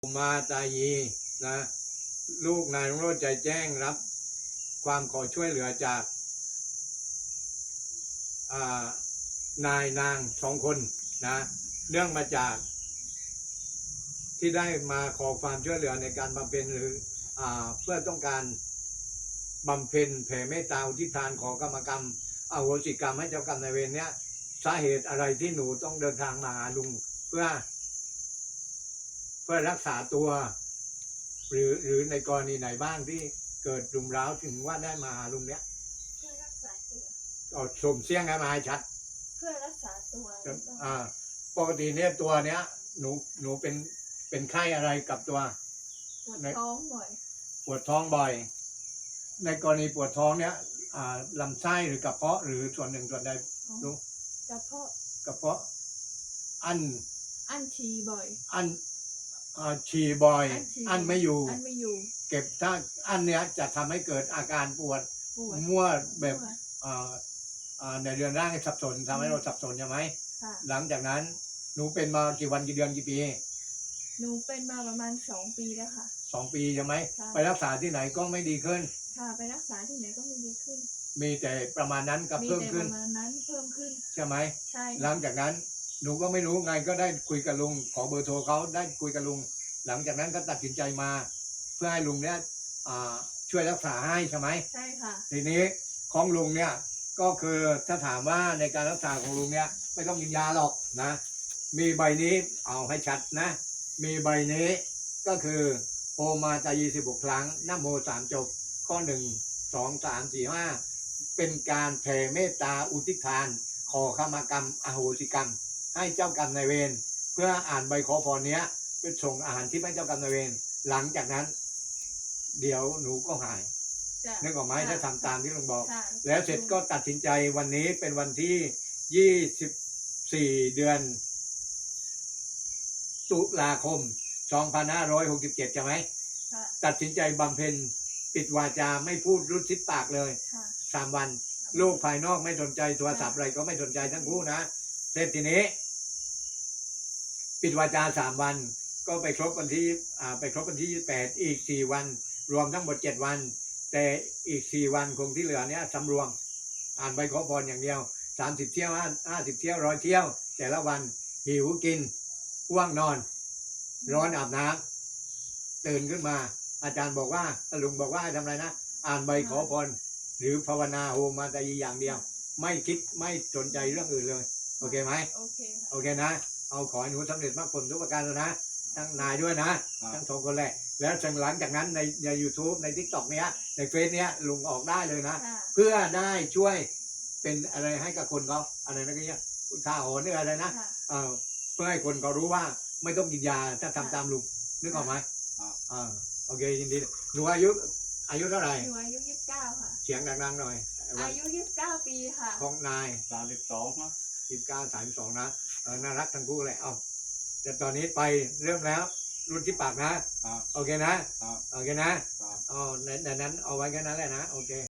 มาตายีนะลูกนายรุ่งโรจน์ใจแจ้งรับความขอช่วยเหลือจากนายนาง2 คนนะเนื่องมาจากที่ได้มาขอความช่วยเหลือในการบำเพ็ญหรือเพื่อต้องการบำเพ็ญแผ่เมตตาอุทิศทานขอกรรมกรรมอโหสิกรรมให้เจ้ากรรมนายเวรเนี้ยสาเหตุอะไรที่หนูต้องเดินทางมาหาลุงเพื่อรักษาตัวหรือในกรณีไหนบ้างที่เกิดรุมเร้าถึงว่าได้มาหาลุงเนี้ยเพื่อรักษาตัวเอาสมเสียงให้มาให้ชัดเพื่อรักษาตัวปกติเนี่ยตัวเนี้ยหนูเป็นไข้อะไรกับตัวปวดท้องบ่อยปวดท้องบ่อยในกรณีปวดท้องเนี้ยลำไส้หรือกระเพาะหรือส่วนหนึ่งส่วนใดรู้กระเพาะอั้นฉี่บ่อยฉี่บ่อยอั้นไม่อยู่เก็บถ้าอั้นเนี้ยจะทำให้เกิดอาการปวดมั่วแบบในเรือนร่างสับสนทำให้เราสับสนใช่ไหมหลังจากนั้นหนูเป็นมากี่วันกี่เดือนกี่ปีหนูเป็นมาประมาณ2 ปีแล้วค่ะ 2 ปีใช่ไหมไปรักษาที่ไหนก็ไม่ดีขึ้นค่ะไปรักษาที่ไหนก็ไม่ดีขึ้นมีแต่ประมาณนั้นกับเพิ่มขึ้นใช่ไหมใช่หลังจากนั้นหนูก็ไม่รู้ไงก็ได้คุยกับลุงขอเบอร์โทรเขาได้คุยกับลุงหลังจากนั้นก็ตัดสินใจมาเพื่อให้ลุงเนี้ยช่วยรักษาให้ใช่ไหมใช่ค่ะทีนี้ของลุงเนี่ยก็คือถ้าถามว่าในการรักษาของลุงเนี่ยไม่ต้องกินยาหรอกนะมีใบนี้เอาให้ชัดนะมีใบนี้ก็คือโอมาตายี16 ครั้งนะโม3 จบข้อ1 2 3 4 5เป็นการแผ่เมตตาอุทิศทานขอขมากรรมอโหสิกรรมให้เจ้ากรรมนายเวรเพื่ออ่านใบขอพรเนี้ยไปส่งอาหารที่ให้เจ้ากรรมนายเวรหลังจากนั้นเดี๋ยวหนูก็หายนึกออกไหมถ้าทำตามที่ลุงบอกแล้วเสร็จก็ตัดสินใจวันนี้เป็นวันที่24 เดือนตุลาคม2567ใช่ไหมตัดสินใจบำเพ็ญปิดวาจาไม่พูดรุดซิบปากเลย3 วันโลกภายนอกไม่สนใจโทรศัพท์อะไรก็ไม่สนใจทั้งคู่นะเสร็จทีนี้ปิดวาจา3 วันก็ไปครบวันที่28อีก4 วันรวมทั้งหมด7 วันแต่อีก4 วันคงที่เหลือเนี้ยสำรวมอ่านใบขอพรอย่างเดียว30 เที่ยว50 เที่ยว100 เที่ยวแต่ละวันหิวกินว่วงนอนร้อนอาบน้ำตื่นขึ้นมาอาจารย์บอกว่าลุงบอกว่าทำอะไรนะอ่านใบขอพรหรือภาวนาโฮมาตายีอย่างเดียวไม่คิดไม่สนใจเรื่องอื่นเลยโอเคไหมโอเคนะเอาขอให้หนูสำเร็จมากผลทุกประการเลยนะทั้งนายด้วยนะทั้ง2 คนแหละแล้วหลังจากนั้นใน YouTube ใน TikTok เนี้ยในเฟซเนี้ยลุงออกได้เลยนะเพื่อได้ช่วยเป็นอะไรให้กับคนเขาอะไรนะก็เนี้ยท่าหอนหรืออะไรนะเพื่อให้คนเขารู้ว่าไม่ต้องกินยาถ้าทำตามลุงนึกออกไหมโอเคยินดีหนูอายุเท่าไหร่หนูอายุ29ค่ะเสียงดังๆหน่อยอายุ29 ปีค่ะของนาย 32นะ 29 32นะน่ารักทั้งคู่เลยแต่ตอนนี้ไปเริ่มแล้วรุ่นที่ปากนะโอเคนะโอเคนะในนั้นเอาไว้แค่นั้นแหละนะโอเค